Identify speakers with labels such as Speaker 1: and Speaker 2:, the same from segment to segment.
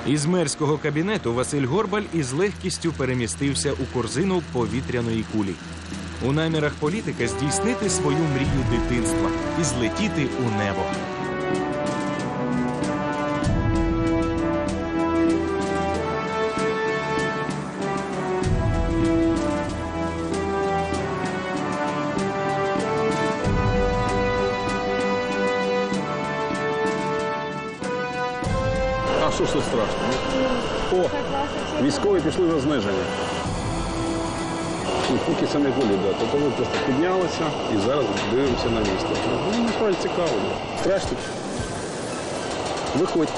Speaker 1: Із мерського кабінету Василь Горбаль із легкістю перемістився у корзину повітряної кулі. У намірах політика здійснити свою мрію дитинства і злетіти у небо.
Speaker 2: А що ж тут страшно? О, військові пішли на зниження. І поки це не голі дати, то ми просто піднялися і зараз дивимося на місто. Ну, насправді цікаво. Страшно? Виходьте.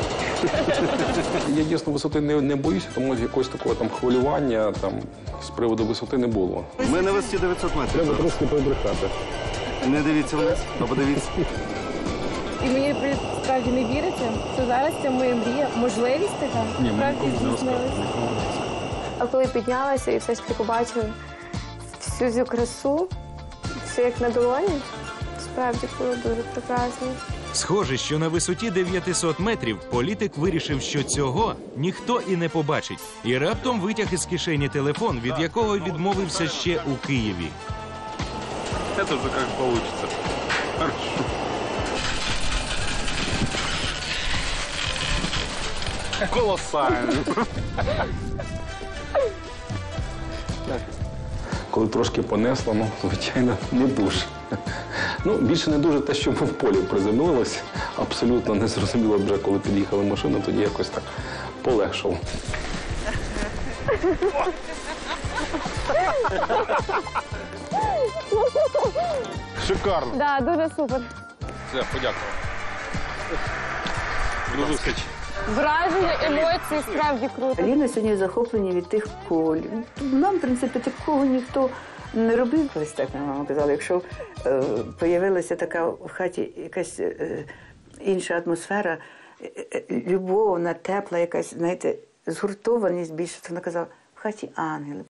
Speaker 2: Я дійсно висоти не боюся, тому якогось такого там хвилювання там, з приводу висоти не було.
Speaker 3: Ми на висоті 900 метрів.
Speaker 2: Треба трошки побрехати.
Speaker 3: Не дивіться вниз, а подивіться.
Speaker 4: І мені справді не віриться, що зараз це моя мрія, можливість така, справді здійснилася. А коли піднялася і все ж таки побачила всю цю красу, все як на долоні, справді було дуже прекрасно.
Speaker 1: Схоже, що на висоті 900 метрів політик вирішив, що цього ніхто і не побачить. І раптом витяг із кишені телефон, від якого відмовився ще у Києві.
Speaker 2: Це вже як вийде. Хорошо. Колосально. Коли трошки понесло, ну, звичайно, не дуже. Ну, більше не дуже те, що ми в полі приземлилися. Абсолютно не зрозуміло вже, коли під'їхала машина, тоді якось так полегшало. Шикарно.
Speaker 4: Так, дуже супер.
Speaker 2: Все, подякував. До зустрічі.
Speaker 4: Враження, емоції, справді круто.
Speaker 5: Ліна сьогодні захоплені від тих куль. Нам, в принципі, такого ніхто не робив. Колись так ми мама казала, якщо появилася така в хаті якась інша атмосфера, любовна, тепла, якась, знаєте, згуртованість більше, то вона казала, в хаті ангели.